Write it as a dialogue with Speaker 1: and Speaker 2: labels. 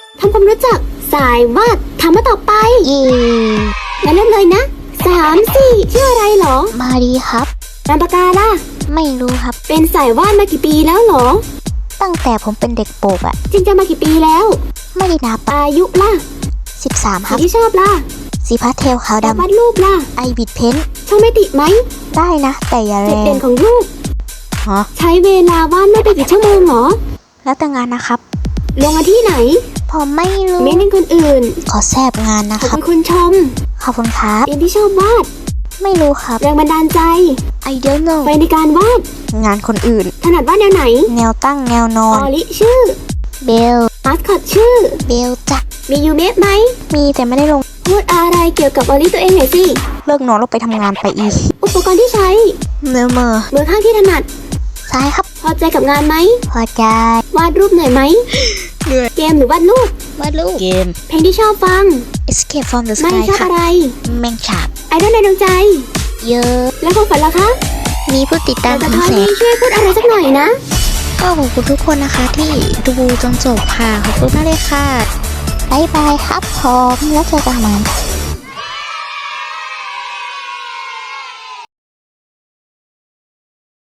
Speaker 1: ทำความรู้จักสายวาดถามมาต่อไปงั้นเริ่มเลยนะ3-4ชื่ออะไรหรอ
Speaker 2: มาดีครับ
Speaker 1: นามปากกาล่ะ
Speaker 2: ไม่รู้ครับ
Speaker 1: เป็นสายวาดมากี่ปีแล้วหรอ
Speaker 2: ตั้งแต่ผมเป็นเด็กโปกอะ
Speaker 1: จริงจะมากี่ปีแล้ว
Speaker 2: ไม่ได้นับ
Speaker 1: อายุล่ะ
Speaker 2: 13ครับ
Speaker 1: ที่ชอบล่ะ
Speaker 2: สีพาสเทลขาวดำ
Speaker 1: วาดรูปล่ะ
Speaker 2: ไอบิดเพ้น
Speaker 1: ช่องไม่ติดไหม
Speaker 2: ได้นะแต่อย่าแรง
Speaker 1: จุดเด่นของรูปใช้เวลาวาดไม่ไปกี่ชั่วโมงหรอ
Speaker 2: แล้วแต่งานนะครับ
Speaker 1: ลงมาที่ไหน
Speaker 2: ผมไม่รู้
Speaker 1: ไม่เล่นคนอื่น
Speaker 2: ขอแซบงานนะครับ
Speaker 1: ขอบคุณชม
Speaker 2: ขอบคุณครับ
Speaker 1: เรียนที่ชอบวาด
Speaker 2: ไม่รู้ครับ
Speaker 1: แรงบันดาลใจ
Speaker 2: I don't know
Speaker 1: ไปในการวาด
Speaker 2: งานคนอื่น
Speaker 1: ถนัดวาดแนวไหน
Speaker 2: แนวตั้งแนวนอน
Speaker 1: อลิชื่อ
Speaker 2: เบล
Speaker 1: มาสคอตชื่อ
Speaker 2: เบลจ้ะ
Speaker 1: มียูเมะไหม
Speaker 2: มีแต่ไม่ได้ลง
Speaker 1: พูดอะไรเกี่ยวกับอลิตัวเองหน่อยสิ
Speaker 2: เลิกนอนแล้วไปทำงานไปอีก
Speaker 1: อุปกรณ์ที่ใช้มือข้างที่ถนัด
Speaker 2: ซ้ายครับ
Speaker 1: พอใจกับงานไหม
Speaker 2: พอใจ
Speaker 1: วาดรูปเหนื่อยไหม
Speaker 2: เหนื่อย
Speaker 1: เกมหรือวาดรูป
Speaker 2: เกม
Speaker 1: เพลงที่ชอบฟัง
Speaker 2: Escape from the Sky
Speaker 1: ไม่ชอบอะไร
Speaker 2: แมงฉาบ
Speaker 1: ไอดอลในดวงใจ
Speaker 2: เยอะ
Speaker 1: แล้วความฝันล่ะคะ
Speaker 2: มีผู้ติดตาม
Speaker 1: ถึงแสนช่วยพูดอะไรสักหน่อยนะ
Speaker 2: ก็ขอบคุณทุกคนนะคะที่ดูจนจบค่ะขอบคุณมากเลยค่ะบ๊ายบายครับผมแล้วเจอกันใหม่